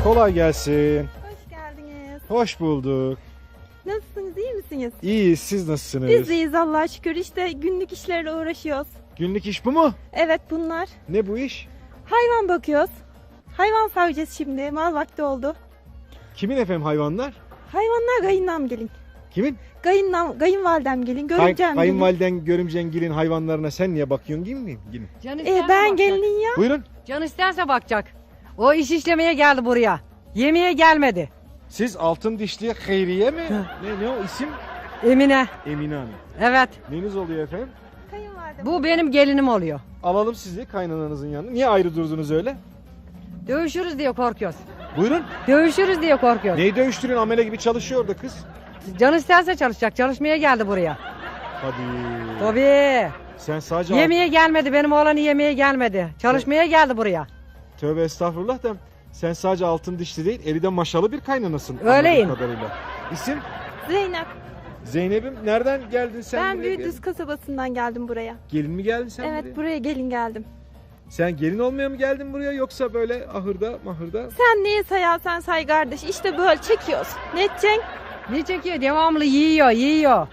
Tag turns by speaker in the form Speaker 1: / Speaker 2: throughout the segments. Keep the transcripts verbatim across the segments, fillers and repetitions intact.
Speaker 1: Kolay gelsin.
Speaker 2: Hoş geldiniz.
Speaker 1: Hoş bulduk.
Speaker 2: Nasılsınız, iyi misiniz?
Speaker 1: İyiyiz, siz nasılsınız?
Speaker 2: Biz de iyiyiz Allah'a şükür. İşte günlük işlerle uğraşıyoruz.
Speaker 1: Günlük iş bu mu?
Speaker 2: Evet, bunlar.
Speaker 1: Ne bu iş?
Speaker 2: Hayvan bakıyoruz. Hayvan savacağız şimdi. Mal vakti oldu.
Speaker 1: Kimin efendim hayvanlar?
Speaker 2: Hayvanlar kayınlam gelin.
Speaker 1: Kimin?
Speaker 2: Kayınlam, kayınvalidem gelin.
Speaker 1: Kay,
Speaker 2: Görümcem gelin.
Speaker 1: kayınvaliden, görümcen gelin hayvanlarına sen niye bakıyorsun değil mi? Gelin.
Speaker 3: Can
Speaker 2: Ee,
Speaker 3: isterse
Speaker 2: ben
Speaker 3: bakacak.
Speaker 2: gelin ya.
Speaker 1: Buyurun.
Speaker 3: Can isterse bakacak. O iş işlemeye geldi buraya. Yemeğe gelmedi.
Speaker 1: Siz altın dişli Hayriye mi? ne, ne o isim?
Speaker 3: Emine.
Speaker 1: Emine Hanım.
Speaker 3: Evet.
Speaker 1: Neniz oluyor efendim?
Speaker 2: Kayınvalidem.
Speaker 3: Bu benim gelinim oluyor.
Speaker 1: Alalım sizi kaynananızın yanına. Niye ayrı durdunuz öyle?
Speaker 3: Dövüşürüz diye korkuyoruz.
Speaker 1: Buyurun.
Speaker 3: Dövüşürüz diye korkuyoruz.
Speaker 1: Neyi dövüştürüyorsun? Amele gibi çalışıyor orada kız.
Speaker 3: Can isterse çalışacak. Çalışmaya geldi buraya.
Speaker 1: Hadi.
Speaker 3: Tabii.
Speaker 1: Sen sadece...
Speaker 3: Yemeğe gelmedi. Benim oğlanı yemeğe gelmedi. Çalışmaya geldi buraya.
Speaker 1: Tövbe estağfurullah da sen sadece altın dişli değil, eli de maşalı bir kaynanasın.
Speaker 3: Öyleyim.
Speaker 1: anladığım kadarıyla. İsim?
Speaker 2: Zeynep.
Speaker 1: Zeynep'im. Nereden geldin sen
Speaker 2: ben
Speaker 1: buraya?
Speaker 2: Büyükdüz kasabasından geldim buraya.
Speaker 1: Gelin mi geldin sen
Speaker 2: evet,
Speaker 1: buraya?
Speaker 2: buraya gelin geldim.
Speaker 1: Sen gelin olmaya mı geldin buraya yoksa böyle ahırda mahırda?
Speaker 2: Sen neye sayarsan say kardeş. İşte böyle çekiyoruz. Ne edeceksin?
Speaker 3: Ne çekiyor? Devamlı yiyor, yiyor.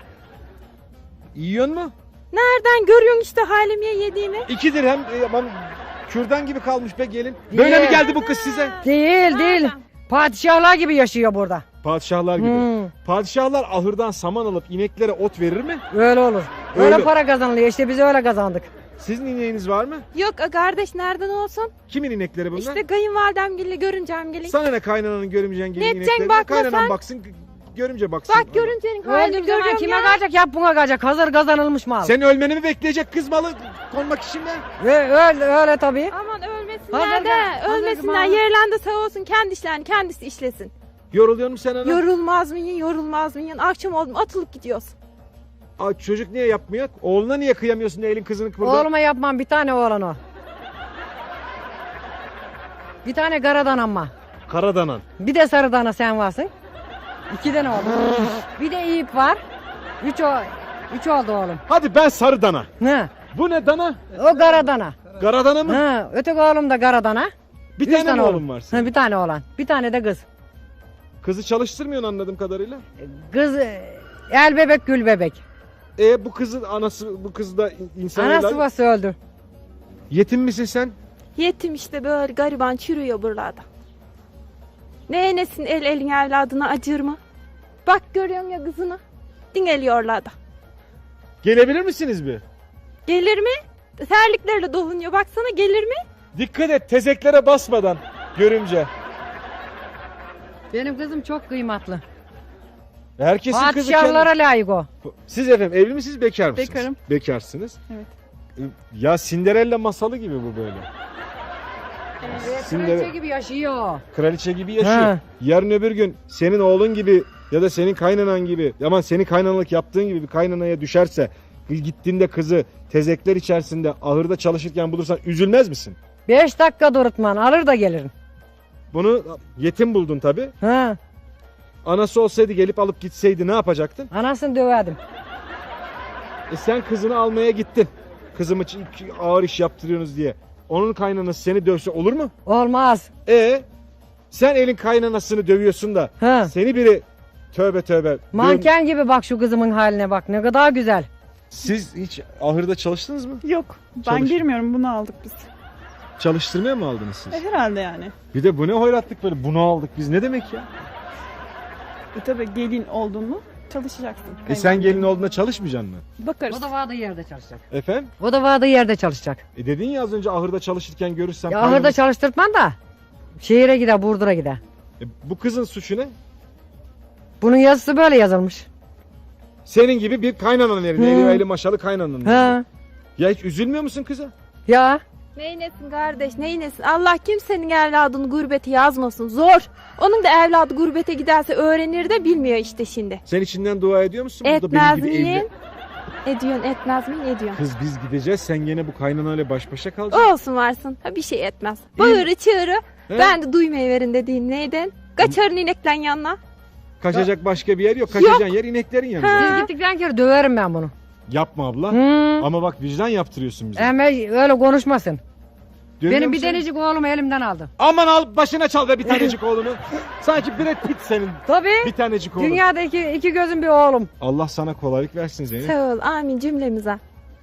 Speaker 1: Yiyorsun mu?
Speaker 2: Nereden görüyorsun işte halimiye yediğini?
Speaker 1: İki dirhem e, aman kürdan gibi kalmış be gelin. Böyle
Speaker 3: Ye.
Speaker 1: mi geldi bu kız size?
Speaker 3: Değil, değil.
Speaker 2: Nereden?
Speaker 3: Padişahlar gibi yaşıyor burada.
Speaker 1: Padişahlar gibi.
Speaker 3: Hmm,
Speaker 1: Padişahlar ahırdan saman alıp ineklere ot verir mi?
Speaker 3: öyle olur. Öyle,
Speaker 1: Öyle.
Speaker 3: para kazanılıyor. İşte biz öyle kazandık.
Speaker 1: Sizin ineğiniz var mı?
Speaker 2: Yok kardeş, nereden olsun?
Speaker 1: Kimin inekleri bunlar?
Speaker 2: İşte kayınvalidem gelin, görüncem gelin.
Speaker 1: Sana ne kaynananın görümcen gelin
Speaker 2: Ne edeceksin,
Speaker 1: ineklerine?
Speaker 2: bakma
Speaker 1: Kaynanan
Speaker 2: sen.
Speaker 1: baksın, görümce baksın.
Speaker 2: Bak görüncenin halini
Speaker 3: Öldüğüm zaman
Speaker 2: görüyorum
Speaker 3: kime
Speaker 2: ya.
Speaker 3: kalacak? Yap buna kalacak. Hazır kazanılmış mal.
Speaker 1: Sen ölmeni mi bekleyecek kız malı konmak için mi?
Speaker 3: Ö- öyle, öyle tabii.
Speaker 2: Aman ölmesinler
Speaker 3: Hazır
Speaker 2: de,
Speaker 3: gel, hazır
Speaker 2: ölmesinler.
Speaker 3: gel.
Speaker 2: Yerlerinde sağ olsun, kendi işlerini kendisi işlesin.
Speaker 1: Yoruluyor musun sen ana?
Speaker 2: Yorulmaz mıyın, yorulmaz mıyın? Akşam oldu mu atılıp gidiyoruz.
Speaker 1: Aa, çocuk niye yapmıyor? Oğluna niye kıyamıyorsun da elin kızını burada?
Speaker 3: Oğluma yapmam, bir tane oğlan o. Bir tane karadan ama.
Speaker 1: Karadanan.
Speaker 3: Bir de sarı dana sen varsın. İki tane oğlum. Bir de iyip var. Üç, o, üç oldu oğlum.
Speaker 1: Hadi ben sarı dana.
Speaker 3: Ne?
Speaker 1: Bu ne dana?
Speaker 3: O karadana.
Speaker 1: Karadana mı?
Speaker 3: Ha, öteki oğlum da karadana.
Speaker 1: Bir
Speaker 3: Üç
Speaker 1: tane mi oğlum var senin?
Speaker 3: Ha, bir tane oğlan. Bir tane de kız.
Speaker 1: Kızı çalıştırmıyorsun anladığım kadarıyla.
Speaker 3: Kız e, el bebek gül bebek.
Speaker 1: E bu kızın anası, bu kız da insan
Speaker 3: Anası
Speaker 1: evladı.
Speaker 3: babası öldü.
Speaker 1: Yetim misin sen?
Speaker 2: Yetim işte böyle gariban çürüyor buralarda. Ne enesin el elin evladına acır mı? Bak görüyorsun ya kızını. Dingeliyorlar da.
Speaker 1: Gelebilir misiniz bir?
Speaker 2: Gelir mi? Terliklerle dolunuyor. Baksana, gelir mi?
Speaker 1: Dikkat et tezeklere basmadan görümce.
Speaker 3: Benim kızım çok kıymetli.
Speaker 1: Herkesin kızı
Speaker 3: Padişahlara
Speaker 1: kendi...
Speaker 3: layık o.
Speaker 1: Siz efendim evli misiniz, bekar mısınız?
Speaker 2: Bekarım.
Speaker 1: Bekarsınız.
Speaker 2: Evet.
Speaker 1: Ya Cinderella masalı gibi bu böyle. Cinderella-
Speaker 3: Kraliçe gibi yaşıyor.
Speaker 1: Kraliçe gibi yaşıyor.
Speaker 3: Ha.
Speaker 1: Yarın öbür gün senin oğlun gibi ya da senin kaynanan gibi, aman senin kaynanalık yaptığın gibi bir kaynanaya düşerse, gittiğinde kızı tezekler içerisinde ahırda çalışırken bulursan üzülmez misin?
Speaker 3: Beş dakika durutman alır da gelirim.
Speaker 1: Bunu yetim buldun tabi.
Speaker 3: Ha,
Speaker 1: Anası olsaydı gelip alıp gitseydi ne yapacaktın?
Speaker 3: anasını döverdim.
Speaker 1: E sen kızını almaya gittin. Kızımı ç- ağır iş yaptırıyorsunuz diye. Onun kaynanası seni dövse olur mu?
Speaker 3: Olmaz.
Speaker 1: E sen elin kaynanasını dövüyorsun da
Speaker 3: Ha.
Speaker 1: seni biri tövbe tövbe.
Speaker 3: Manken gibi bak şu kızımın haline bak, ne kadar güzel.
Speaker 1: Siz hiç ahırda çalıştınız mı?
Speaker 4: Yok. Ben
Speaker 1: Çalış-
Speaker 4: girmiyorum. Bunu aldık biz.
Speaker 1: Çalıştırmaya mı aldınız siz?
Speaker 4: E, herhalde yani.
Speaker 1: Bir de bu ne hoyratlık böyle, bunu aldık biz, ne demek ya?
Speaker 4: E tabi gelin oldun mu çalışacaksın.
Speaker 1: E sen gelin olduğunda çalışmayacaksın mı?
Speaker 4: Bakarız.
Speaker 3: O da vardığı yerde çalışacak.
Speaker 1: Efendim?
Speaker 3: O da vardığı yerde çalışacak.
Speaker 1: E dedin ya az önce ahırda çalışırken görürsem...
Speaker 3: Ya
Speaker 1: kaynanası-
Speaker 3: ahırda çalıştırtman da şehire gider, Burdur'a gider.
Speaker 1: E, bu kızın suçu ne?
Speaker 3: Bunun yazısı böyle yazılmış.
Speaker 1: Senin gibi bir kaynanan elinde,
Speaker 3: Hı.
Speaker 1: eli eli maşalı kaynanan.
Speaker 3: Ha.
Speaker 1: Ya hiç üzülmüyor musun kıza?
Speaker 3: Ya
Speaker 2: Neynesin kardeş, neynesin? Allah kimsenin evladını gurbete yazmasın. Zor. Onun da evladı gurbete giderse öğrenir de bilmiyor işte şimdi.
Speaker 1: Sen içinden dua ediyor musun? Burada
Speaker 2: Etmez
Speaker 1: benim gibi
Speaker 2: miyim?
Speaker 1: evli-
Speaker 2: Ediyorsun, etmez miyim? Ediyorsun.
Speaker 1: Kız biz gideceğiz, sen gene bu kaynanayla baş başa kalacaksın.
Speaker 2: Olsun varsın. Ha, bir şey etmez. Bağırı çığırı.
Speaker 1: He?
Speaker 2: Ben de duymayı verin dediğin neyden? Kaçarın inekten yanına.
Speaker 1: Kaçacak başka bir yer yok. Kaçacağın yer ineklerin yanında.
Speaker 2: Ha.
Speaker 3: biz gittikten kere döverim ben bunu.
Speaker 1: Yapma abla.
Speaker 3: Hı.
Speaker 1: Ama bak vicdan yaptırıyorsun bize.
Speaker 3: Ama öyle konuşmasın.
Speaker 1: Dönüyor
Speaker 3: Benim
Speaker 1: mu
Speaker 3: bir
Speaker 1: senin?
Speaker 3: denecik oğlumu elimden aldı.
Speaker 1: Aman al başına çal be bir tanecik oğlunu. Sanki Brad Pitt senin
Speaker 3: Tabii.
Speaker 1: bir tanecik oğlun.
Speaker 3: Dünyada iki, iki gözüm bir oğlum.
Speaker 1: Allah sana kolaylık versin Zeynep.
Speaker 2: Sağ ol. Amin cümlemize.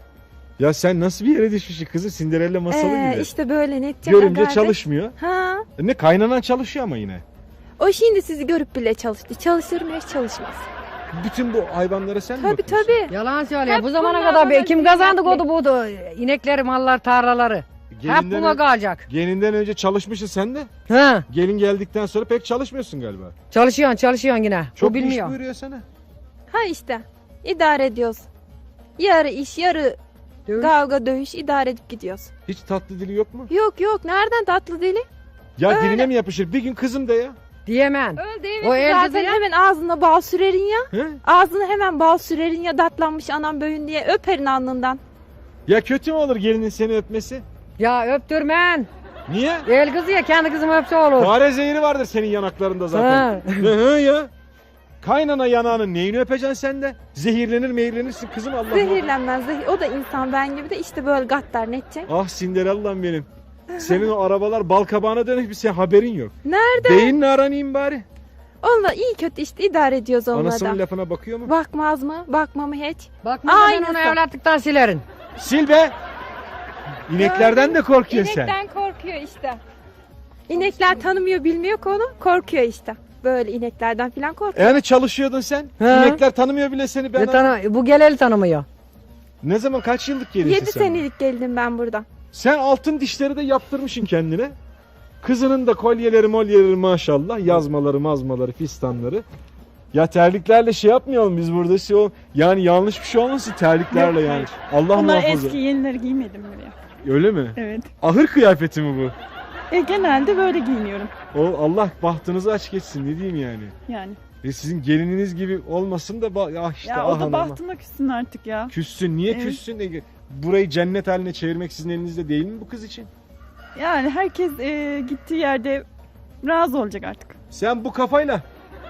Speaker 1: Ya sen nasıl bir yere düşmüşsün kızı? Cinderella masalı
Speaker 2: Ee,
Speaker 1: gibi.
Speaker 2: işte böyle ne edecek
Speaker 1: Görünce
Speaker 2: kardeş?
Speaker 1: çalışmıyor.
Speaker 2: Ha.
Speaker 1: E Ne kaynanan çalışıyor ama yine.
Speaker 2: O şimdi sizi görüp bile çalıştı. Çalışır mı hiç çalışmaz.
Speaker 1: Bütün bu hayvanlara sen mi
Speaker 2: Tabii
Speaker 1: bakıyorsun?
Speaker 2: tabii.
Speaker 3: Yalan söylüyor.
Speaker 2: Hep
Speaker 3: Bu zamana
Speaker 2: bunlar
Speaker 3: kadar
Speaker 2: bana
Speaker 3: be, kim kazandı
Speaker 2: zimmetli.
Speaker 3: kodu budu? İnekleri, mallar, tarlaları. Hep
Speaker 1: Gelinden,
Speaker 3: buna
Speaker 1: ö-
Speaker 3: kalacak.
Speaker 1: gelinden önce çalışmışsın sen de.
Speaker 3: Ha,
Speaker 1: Gelin geldikten sonra pek çalışmıyorsun galiba.
Speaker 3: çalışıyorsun, çalışıyorsun yine.
Speaker 1: Çok
Speaker 3: o
Speaker 1: iş
Speaker 3: bilmiyor.
Speaker 1: buyuruyor sana.
Speaker 2: Ha işte. İdare ediyoruz. Yarı iş, yarı
Speaker 3: Dövüş.
Speaker 2: kavga, dövüş idare edip gidiyoruz.
Speaker 1: Hiç tatlı dili yok mu?
Speaker 2: Yok yok. Nereden tatlı dili?
Speaker 1: Ya
Speaker 2: Öyle.
Speaker 1: diline mi yapışır? Bir gün kızım de ya.
Speaker 3: Diyemem.
Speaker 2: Öyle değil
Speaker 3: O
Speaker 2: mi?
Speaker 3: el
Speaker 2: Zaten
Speaker 3: kızı ya.
Speaker 2: hemen ağzına bal sürerin ya.
Speaker 1: He?
Speaker 2: Ağzına hemen bal sürerin ya datlanmış anam böğün diye öperin alnından.
Speaker 1: Ya kötü mü olur gelinin seni öpmesi?
Speaker 3: Ya öptürmen.
Speaker 1: Niye?
Speaker 3: El kızı ya kendi kızımı öpse olur.
Speaker 1: Fare zehri vardır senin yanaklarında zaten.
Speaker 3: Ha.
Speaker 1: Hı hı ya. Kaynana yanağının neyini öpeceksin sen de? Zehirlenir meyirlenirsin kızım Allah Allah.
Speaker 2: Zehirlenmez. Zehir. O da insan ben gibi de işte böyle gaddar ne edecek?
Speaker 1: Ah Cinderella'm benim. Senin o arabalar bal kabağına dönük bir şey haberin yok.
Speaker 2: Nerede?
Speaker 1: Beyinle aranayım bari.
Speaker 2: Onunla iyi kötü işte idare ediyoruz onunla
Speaker 1: Anasının
Speaker 2: da.
Speaker 1: lafına bakıyor mu?
Speaker 2: Bakmaz mı? Bakma mı hiç?
Speaker 3: Bakma sen
Speaker 2: Aynısı.
Speaker 3: onu evlatlıktan silerin.
Speaker 1: Sil be. İneklerden de korkuyorsun sen.
Speaker 2: İnekten korkuyor işte. İnekler tanımıyor bilmiyor ki onu. Korkuyor işte. Böyle ineklerden falan korkuyor.
Speaker 1: Yani çalışıyordun sen.
Speaker 3: He.
Speaker 1: İnekler tanımıyor bile seni. Ben
Speaker 3: Ne tanı bu geleli tanımıyor.
Speaker 1: Ne zaman kaç yıllık gelinsin
Speaker 2: Yedi
Speaker 1: sen?
Speaker 2: senelik geldim ben buradan.
Speaker 1: Sen altın dişleri de yaptırmışsın kendine. Kızının da kolyeleri molyeleri maşallah. Yazmaları mazmaları fistanları. Ya terliklerle şey yapmayalım biz burada. Şey ol- yani yanlış bir şey olmasın terliklerle
Speaker 4: Yok,
Speaker 1: yani.
Speaker 4: hayır.
Speaker 1: Allah
Speaker 4: Onlar
Speaker 1: muhafaza.
Speaker 4: eski yenileri giymedim buraya.
Speaker 1: Öyle mi?
Speaker 4: Evet.
Speaker 1: Ahır kıyafeti mi bu?
Speaker 4: E, genelde böyle giyiniyorum.
Speaker 1: O Allah bahtınızı aç geçsin ne diyeyim yani.
Speaker 4: Yani.
Speaker 1: E sizin gelininiz gibi olmasın da ba- ah işte
Speaker 4: Ya
Speaker 1: ah
Speaker 4: o da
Speaker 1: anam.
Speaker 4: bahtıma küssün artık ya.
Speaker 1: Küssün. Niye
Speaker 4: Evet.
Speaker 1: küssün? E, burayı cennet haline çevirmek sizin elinizde değil mi bu kız için?
Speaker 4: Yani herkes e, gittiği yerde razı olacak artık.
Speaker 1: Sen bu kafayla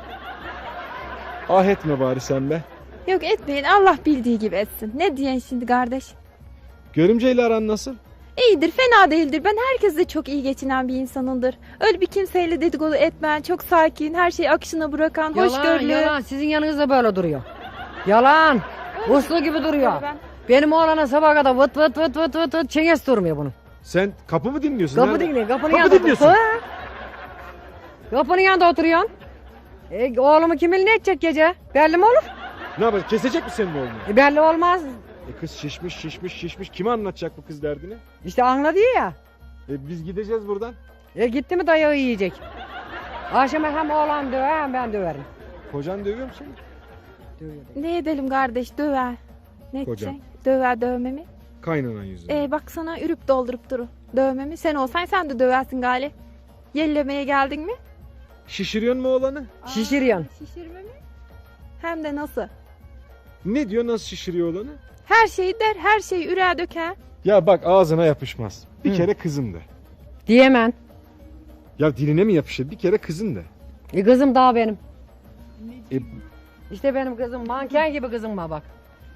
Speaker 1: ah etme bari sen be.
Speaker 2: Yok etmeyin Allah bildiği gibi etsin. Ne diyen şimdi kardeş?
Speaker 1: Görümceyle aran nasıl?
Speaker 2: İyidir fena değildir. Ben herkesle çok iyi geçinen bir insanımdır. Öyle bir kimseyle dedikodu etmeyen, çok sakin, her şeyi akışına bırakan,
Speaker 3: Yalan
Speaker 2: hoşgörülü.
Speaker 3: yalan sizin yanınızda böyle duruyor. Yalan. Uslu gibi duruyor.
Speaker 2: Ben-
Speaker 3: Benim oğlana sabah kadar vıt vıt vıt vıt vıt vıt çenges durmuyor bunun.
Speaker 1: Sen kapı mı dinliyorsun?
Speaker 3: Kapı
Speaker 1: Nerede?
Speaker 3: dinliyor. Kapının
Speaker 1: Kapı
Speaker 3: yanında
Speaker 1: dinliyorsun.
Speaker 3: Ha? Kapının yanında oturuyorsun. E, oğlumu kimin ne edecek gece? Belli mi olur?
Speaker 1: Ne yapacak? Kesecek mi senin oğlunu?
Speaker 3: E, belli olmaz.
Speaker 1: E kız şişmiş şişmiş şişmiş. Kime anlatacak bu kız derdini?
Speaker 3: İşte anladı ya.
Speaker 1: E biz gideceğiz buradan.
Speaker 3: E, gitti mi dayağı yiyecek. Akşama hem oğlan döver hem ben döverim.
Speaker 1: Kocan dövüyor mu seni?
Speaker 3: Dövüyor.
Speaker 2: Ne edelim kardeş döver. Ne
Speaker 1: Kocam.
Speaker 2: edeceksin? Döver dövmemi.
Speaker 1: Kaynanan yüzünden.
Speaker 2: Ee, bak sana ürüp doldurup duru. Dövmemi. Sen olsan sen de döversin gali. Yellemeye geldin mi?
Speaker 1: Şişiriyorsun mu oğlanı?
Speaker 3: Şişiriyorsun.
Speaker 2: Aa, Şişirme mi? Hem de nasıl?
Speaker 1: Ne diyor nasıl şişiriyor oğlanı?
Speaker 2: Her şeyi der, her şeyi üreğe döker.
Speaker 1: Ya bak ağzına yapışmaz. Bir
Speaker 3: Hı.
Speaker 1: kere kızım de.
Speaker 3: Diyemem.
Speaker 1: Ya diline mi yapışır? Bir kere kızım de.
Speaker 3: E, kızım daha benim.
Speaker 1: E,
Speaker 3: İşte benim kızım manken gibi kızım var bak.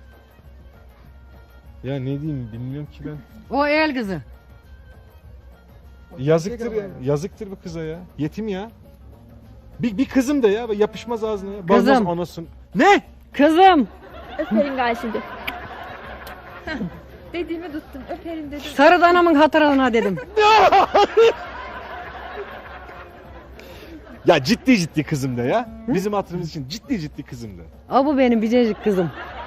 Speaker 1: ya ne diyeyim bilmiyorum ki ben.
Speaker 3: O el kızı.
Speaker 1: Yazıktır ya. Yazıktır bu kıza ya. Yetim ya. Bir, bir kızım da ya. Yapışmaz ağzına ya.
Speaker 3: Kızım.
Speaker 1: Bazmaz anasın. Ne?
Speaker 3: Kızım.
Speaker 2: Öperim gali şimdi. Heh, Dediğimi tuttum. Öperim dedim.
Speaker 3: Sarı danamın hatırına dedim.
Speaker 1: Ya ciddi ciddi kızım da ya. Bizim hatırımız için ciddi ciddi kızım da.
Speaker 3: O bu benim biricik kızım.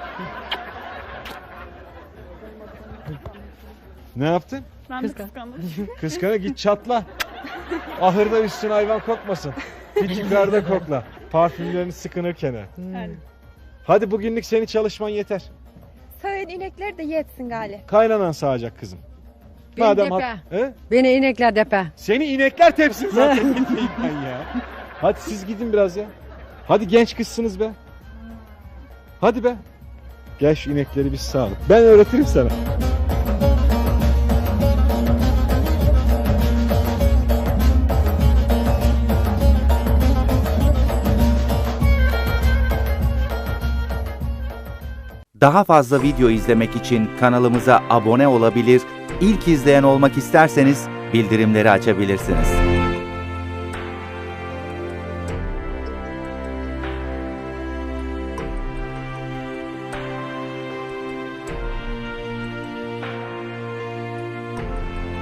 Speaker 1: Ne yaptın?
Speaker 4: Ben de
Speaker 3: Kıskan-
Speaker 4: kıskandım.
Speaker 1: Kıskana git çatla. Ahırda üstüne hayvan kokmasın. Git yukarıda kokla. Parfümlerini sıkınırken. ha.
Speaker 4: Yani.
Speaker 1: Hadi bugünlük senin çalışman yeter.
Speaker 2: Sağın inekleri de yetsin gali.
Speaker 1: Kaynanan sağacak kızım.
Speaker 3: Beni
Speaker 1: Madem
Speaker 3: depe.
Speaker 1: hat- He?
Speaker 3: Beni inekler depe.
Speaker 1: Seni inekler tepsin zaten. Ne diyeyim ben ya. Hadi siz gidin biraz ya. Hadi genç kızsınız be. Hadi be. Gel şu inekleri biz sağalım. Ben öğretirim sana.
Speaker 5: Daha fazla video izlemek için kanalımıza abone olabilir, ilk izleyen olmak isterseniz bildirimleri açabilirsiniz.